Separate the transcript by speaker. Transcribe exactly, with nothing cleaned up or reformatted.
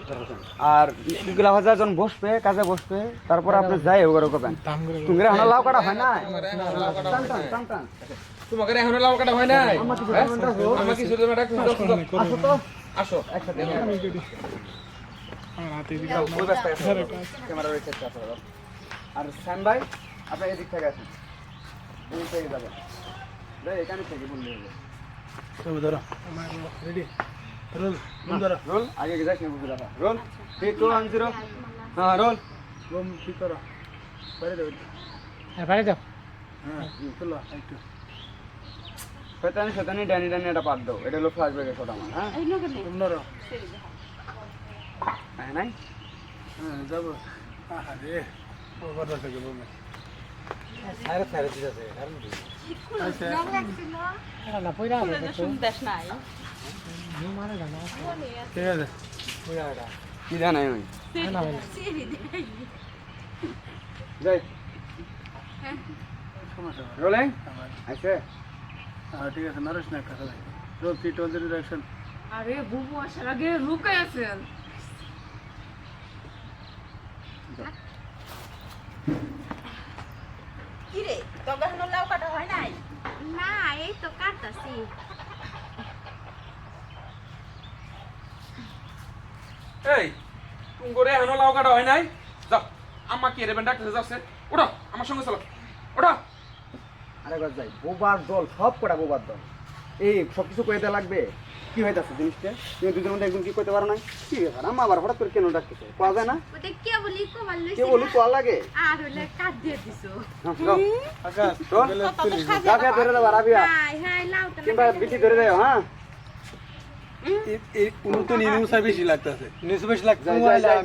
Speaker 1: আর এগুলা ভাজা যখন বসবে কাজে বসবে তারপর আপনি যাই ওগুলো করবেন তুমি এখন লাউ কাটা হয় না টান টান টান টান
Speaker 2: তোমাকে এখনো লাউ কাটা হয় নাই আমার কি ছোট ম্যাডাম
Speaker 1: আসো তো
Speaker 2: আসো
Speaker 1: একসাথে
Speaker 3: আমার হাতে দিকে
Speaker 1: ওই ব্যস্ত আছে ক্যামেরা রয়েছে আর শ্যাম ভাই আপনি এদিক থেকে আসেন এই থেকে যাবেন ভাই এখানে থেকে বললে হবে
Speaker 3: সব ধরো আমার রেডি রোল রোল ধরো
Speaker 1: রোল আগে যাস না বুঝে রাখা roll three two one zero হ্যাঁ রোল
Speaker 3: রোম ঠিক করো বাইরে দাও
Speaker 4: হ্যাঁ বাইরে যাও
Speaker 3: হ্যাঁ চলো একটু
Speaker 1: শয়তানি শয়তানি ডানি ডানি এটা পার দাও এটা হলো ফ্ল্যাশব্যাকের শট আমার হ্যাঁ
Speaker 3: তোমরা
Speaker 1: হ্যাঁ নাই
Speaker 3: হ্যাঁ যাবো আরে ওভার থেকে বলবে
Speaker 1: আরে স্যার দিতেছে কারণ কি
Speaker 4: না না পয়রা হবে তো
Speaker 5: শুনতেছ নাই
Speaker 4: নি মারা জানা
Speaker 3: ঠিক আছে
Speaker 4: পয়রাটা
Speaker 1: কি জানাই আমি
Speaker 4: না না
Speaker 1: যাই
Speaker 3: সমস্যা
Speaker 1: রোলিং
Speaker 3: আমার
Speaker 1: আইছে
Speaker 3: হ্যাঁ ঠিক আছে নারিশ না কথা roll three two zero action
Speaker 5: আরে বুবু আসার আগে রুকাই আছেন
Speaker 6: কি রে তোকে এখনো লাউ কাটা হয় নাই?
Speaker 7: না এই তো কাটতাছি
Speaker 2: এই তুমি করে এখনো লাউ কাটা হয় নাই যাও আম্মা কি রে ডাক্তার যাচ্ছে ওঠো আমার সঙ্গে চলো ওঠো
Speaker 1: আরেকবার যাই বোবার দল সব কটা বোবার দল এই সব কিছু কইতে লাগবে কি হইতাছে জিনিসটা তুমি দুজনের মধ্যে একদম কি কইতে পারো না কি ব্যাপার আম্মা আবার হঠাৎ করে কেন ডাকতেছে কোয়া যায় না
Speaker 7: ওটা কে বলি কমাল লইছি
Speaker 1: কে বলি কোয়া লাগে
Speaker 7: আর হইলে কাট দিয়ে দিছো
Speaker 1: হ্যাঁ, যাও।
Speaker 3: আকাশ
Speaker 1: চল।
Speaker 3: গেলে
Speaker 7: কত
Speaker 3: তুলিস
Speaker 7: সাজে
Speaker 1: গাছে ধরে দেবো রাবিয়া
Speaker 7: হাই হাই লাউটা
Speaker 1: কিংবা বিটি ধরে দেও হ্যাঁ
Speaker 3: এই নতুন ইনুসা বেশি লাগতেছে ইনুসা বেশি
Speaker 1: যাই, যাই, যাই।